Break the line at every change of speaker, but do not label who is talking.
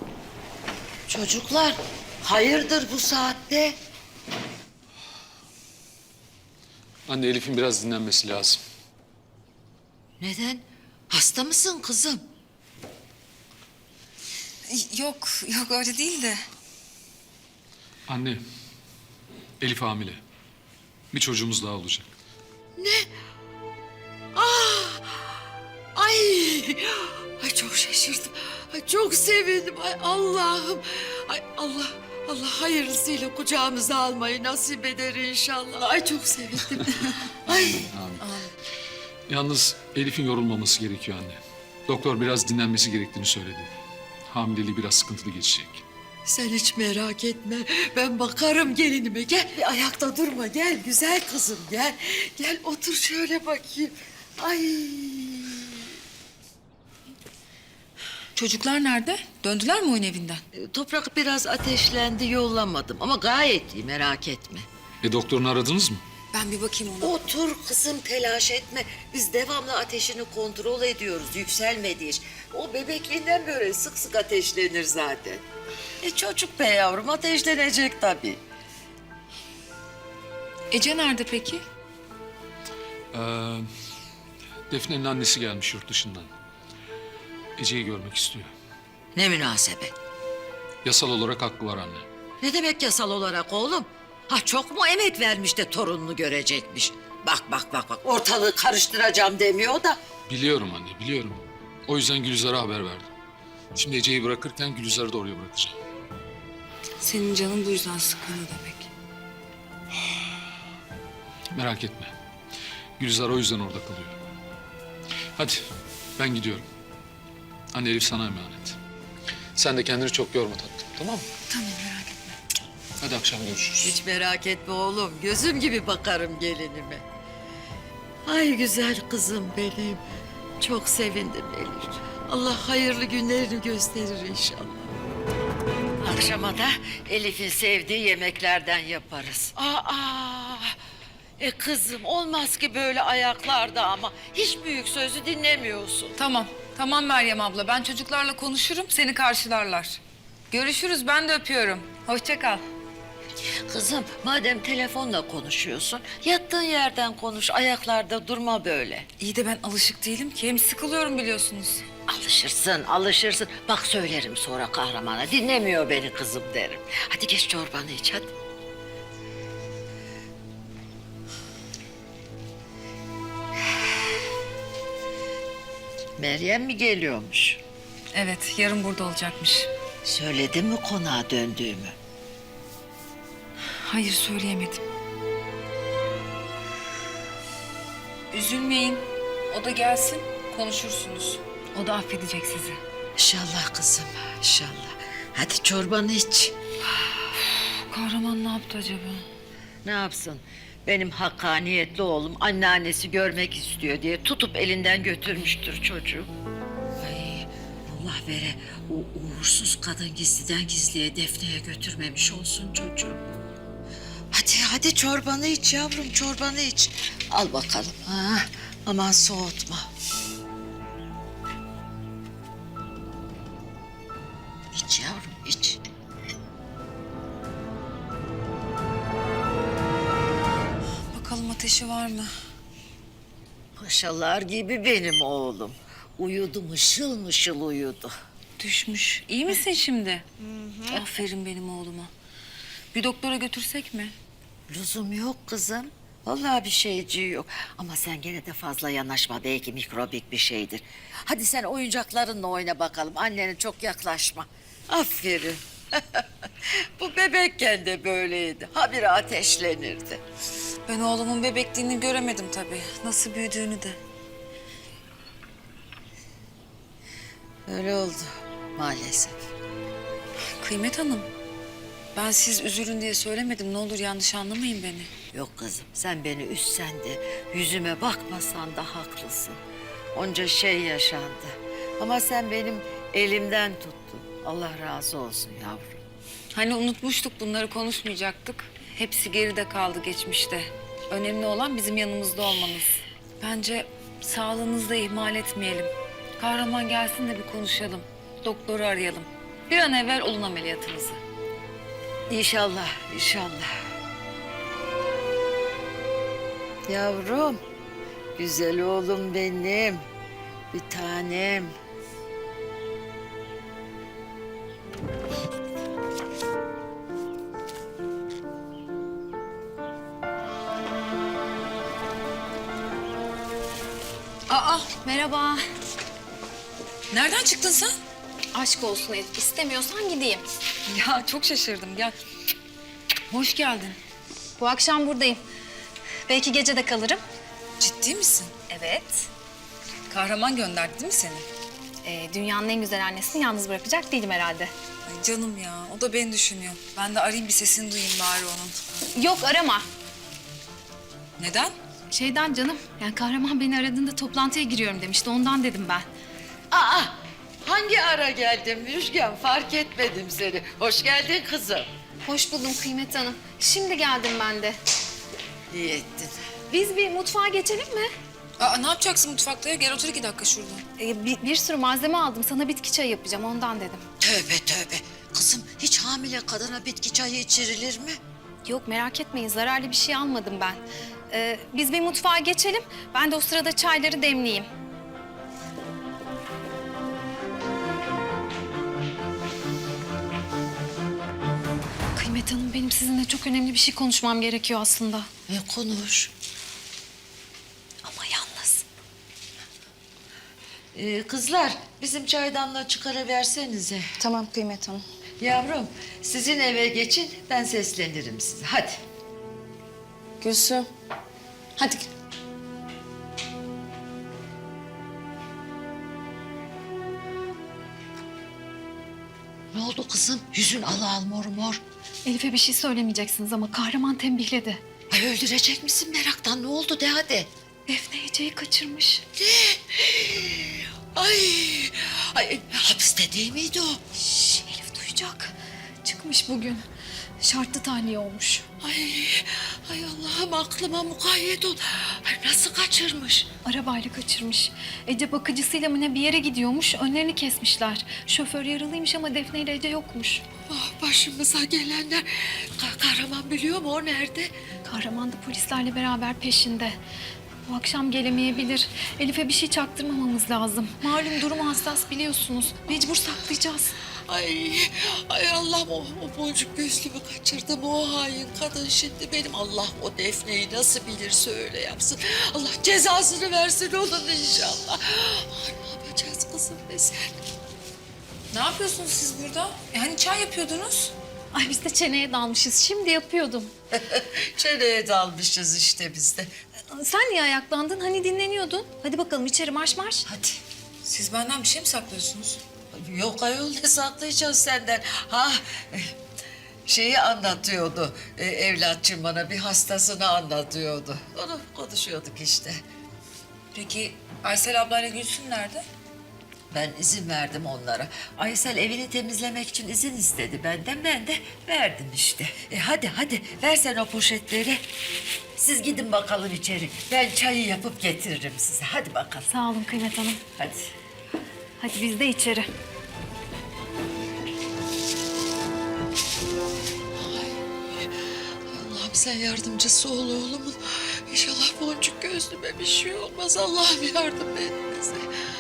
Çocuklar, hayırdır bu saatte?
Anne, Elif'in biraz dinlenmesi lazım.
Neden? Hasta mısın kızım?
Yok öyle değil de.
Anne, Elif hamile. Bir çocuğumuz daha olacak.
Ay, ay çok şaşırdım. Ay çok sevindim. Ay Allah'ım. Ay Allah hayırlısıyla kucağımıza almayı nasip eder inşallah. Ay çok sevindim. Ay.
Yalnız Elif'in yorulmaması gerekiyor anne. Doktor biraz dinlenmesi gerektiğini söyledi. Hamileliği biraz sıkıntılı geçecek.
Sen hiç merak etme. Ben bakarım gelinime. Gel bir ayakta durma. Gel güzel kızım gel. Gel otur şöyle bakayım. Ay.
Çocuklar nerede? Döndüler mi oyun evinden?
Toprak biraz ateşlendi yollamadım ama gayet iyi merak etme.
Doktorunu aradınız mı?
Ben bir bakayım ona.
Otur kızım telaş etme. Biz devamlı ateşini kontrol ediyoruz yükselmedi hiç. O bebekliğinden böyle sık sık ateşlenir zaten. Çocuk be yavrum ateşlenecek tabii.
Ece nerede peki?
Defne'nin annesi gelmiş yurt dışından. Ece'yi görmek istiyor.
Ne münasebet.
Yasal olarak hakkı var anne.
Ne demek yasal olarak oğlum? Ha çok mu emek vermiş de torununu görecekmiş? Bak ortalığı karıştıracağım demiyor da.
Biliyorum anne, biliyorum. O yüzden Gülizar'a haber verdim. Şimdi Ece'yi bırakırken Gülizar'ı da oraya bırakacağım.
Senin canın bu yüzden sıkılıyor demek.
Merak etme. Gülizar o yüzden orada kalıyor. Hadi ben gidiyorum. Anne, Elif sana emanet. Sen de kendini çok yorma tatlım, tamam mı?
Tamam merak etme.
Hadi akşam görüşürüz.
Hiç merak etme oğlum. Gözüm gibi bakarım gelinime. Ay güzel kızım benim. Çok sevindim Elif. Allah hayırlı günlerini gösterir inşallah. Akşama da Elif'in sevdiği yemeklerden yaparız. Kızım olmaz ki böyle ayaklarda ama. Hiç büyük sözü dinlemiyorsun.
Tamam Meryem abla. Ben çocuklarla konuşurum. Seni karşılarlar. Görüşürüz. Ben de öpüyorum. Hoşça kal.
Kızım madem telefonla konuşuyorsun, yattığın yerden konuş, ayaklarda durma böyle.
İyi de ben alışık değilim ki. Hem sıkılıyorum biliyorsunuz.
Alışırsın. Bak söylerim sonra kahramana, dinlemiyor beni kızım derim. Hadi geç çorbanı iç hadi. Meryem mi geliyormuş?
Evet, yarın burada olacakmış.
Söyledim mi konağa döndüğümü?
Hayır, söyleyemedim. Üzülmeyin. O da gelsin, konuşursunuz. O da affedecek sizi.
İnşallah kızım, inşallah. Hadi çorbanı iç.
Kahraman ne yaptı acaba?
Ne yapsın? Benim hakkaniyetli oğlum anneannesi görmek istiyor diye tutup elinden götürmüştür çocuğu. Ay Allah vere o uğursuz kadın gizliden gizliye Defne'ye götürmemiş olsun çocuğu. Hadi çorbanı iç yavrum çorbanı iç. Al bakalım. Ha, aman soğutma. İç yavrum iç.
Bakalım ateşi var mı?
Paşalar gibi benim oğlum. Uyudu mışıl mışıl uyudu.
Düşmüş. İyi misin şimdi? Aferin benim oğluma. Bir doktora götürsek mi?
Lüzum yok kızım. Vallahi bir şeyciği yok. Ama sen gene de fazla yanaşma. Belki mikrobik bir şeydir. Hadi sen oyuncaklarınla oyna bakalım. Annene çok yaklaşma. Aferin. Bu bebekken de böyleydi. Habire ateşlenirdi.
Ben oğlumun bebekliğini göremedim tabii. Nasıl büyüdüğünü de.
Öyle oldu maalesef.
Kıymet Hanım, ben siz üzülün diye söylemedim. Ne olur yanlış anlamayın beni.
Yok kızım sen beni üzsen de yüzüme bakmasan da haklısın. Onca şey yaşandı. Ama sen benim elimden tuttun. Allah razı olsun yavrum.
Hani unutmuştuk bunları konuşmayacaktık. Hepsi geride kaldı geçmişte. Önemli olan bizim yanımızda olmanız. Bence sağlığınızı da ihmal etmeyelim. Kahraman gelsin de bir konuşalım. Doktoru arayalım. Bir an evvel olun ameliyatınızı.
İnşallah, inşallah. Yavrum, güzel oğlum benim. Bir tanem.
Aa,
Merhaba.
nereden çıktın sen?
Aşk olsun Elif. İstemiyorsan gideyim.
Ya çok şaşırdım. Gel. Hoş geldin.
Bu akşam buradayım. Belki gece de kalırım.
Ciddi misin?
Evet.
Kahraman gönderdi değil mi seni?
Dünyanın en güzel annesini yalnız bırakacak değilim herhalde.
Ay canım ya, o da beni düşünüyor. Ben de arayayım bir sesini duyayım bari onun.
Yok arama.
Neden?
Şeyden canım. Yani kahraman beni aradığında toplantıya giriyorum demişti. Ondan dedim ben.
Aa, hangi ara geldin Müjgan? Fark etmedim seni. Hoş geldin kızım.
Hoş buldum Kıymet Hanım. Şimdi geldim ben de.
İyi ettin.
Biz bir mutfağa geçelim mi?
Aa, ne yapacaksın mutfakta ya? Gel otur 2 dakika şurada.
Bir sürü malzeme aldım. Sana bitki çayı yapacağım. Ondan dedim.
Tövbe tövbe. Kızım hiç hamile kadına bitki çayı içirilir mi?
Yok merak etmeyin. Zararlı bir şey almadım ben. Biz bir mutfağa geçelim. Ben de o sırada çayları demleyeyim. Kıymet Hanım benim sizinle çok önemli bir şey konuşmam gerekiyor aslında.
Konuş.
Ama yalnız.
Kızlar bizim çaydanlığı çıkarıversenize.
Tamam Kıymet Hanım.
Yavrum sizin eve geçin ben seslenirim size. Hadi.
Gülsüm. Hadi.
Ne oldu kızım? Yüzün al mor mor.
Elif'e bir şey söylemeyeceksiniz ama kahraman tembihledi.
Ay öldürecek misin meraktan? Ne oldu de hadi.
Defne Ece'yi kaçırmış.
Ay, ay hapiste değil miydi o?
Şş, Elif duyacak. Çıkmış bugün. Şartlı tahliye olmuş.
Ay Allah'ım aklıma mukayyet ol. Ay nasıl kaçırmış?
Arabayla kaçırmış. Ece bakıcısıyla mı ne bir yere gidiyormuş. Önlerini kesmişler. Şoför yaralıymış ama Defne ile Ece yokmuş.
Ah başımıza gelenler. Kahraman biliyor mu o nerede?
Kahraman da polislerle beraber peşinde. Bu akşam gelemeyebilir. Elif'e bir şey çaktırmamamız lazım. Malum durumu hassas biliyorsunuz. Mecbur saklayacağız.
Ay Allah'ım o boncuk gözlümü kaçırdım o hain kadın şimdi benim. Allah o Defne'yi nasıl bilirse öyle yapsın. Allah cezasını versin onun inşallah. Ay, ne yapacağız kızım be sen?
Ne yapıyorsunuz siz burada? Hani çay yapıyordunuz?
Ay biz de çeneye dalmışız. Şimdi yapıyordum.
Çeneye dalmışız işte biz de.
Sen niye ayaklandın? Hani dinleniyordun. Hadi bakalım içeri marş marş.
Hadi.
Siz benden bir şey mi saklıyorsunuz?
Yok ayol ne saklayacağız senden? Ha şeyi anlatıyordu evlatçım bana bir hastasını anlatıyordu. Onu konuşuyorduk işte.
Peki Aysel ablayla Gülsün nerede?
Ben izin verdim onlara. Aysel evini temizlemek için izin istedi benden. Ben de verdim işte. Hadi ver sen o poşetleri. Siz gidin bakalım içeri. Ben çayı yapıp getiririm size. Hadi bakalım.
Sağ olun Kıymet Hanım.
Hadi.
Hadi biz de içeri.
Allah'ım sen yardımcısı ol oğlumun. İnşallah boncuk gözlüme bir şey olmaz. Allah'ım yardım et bize.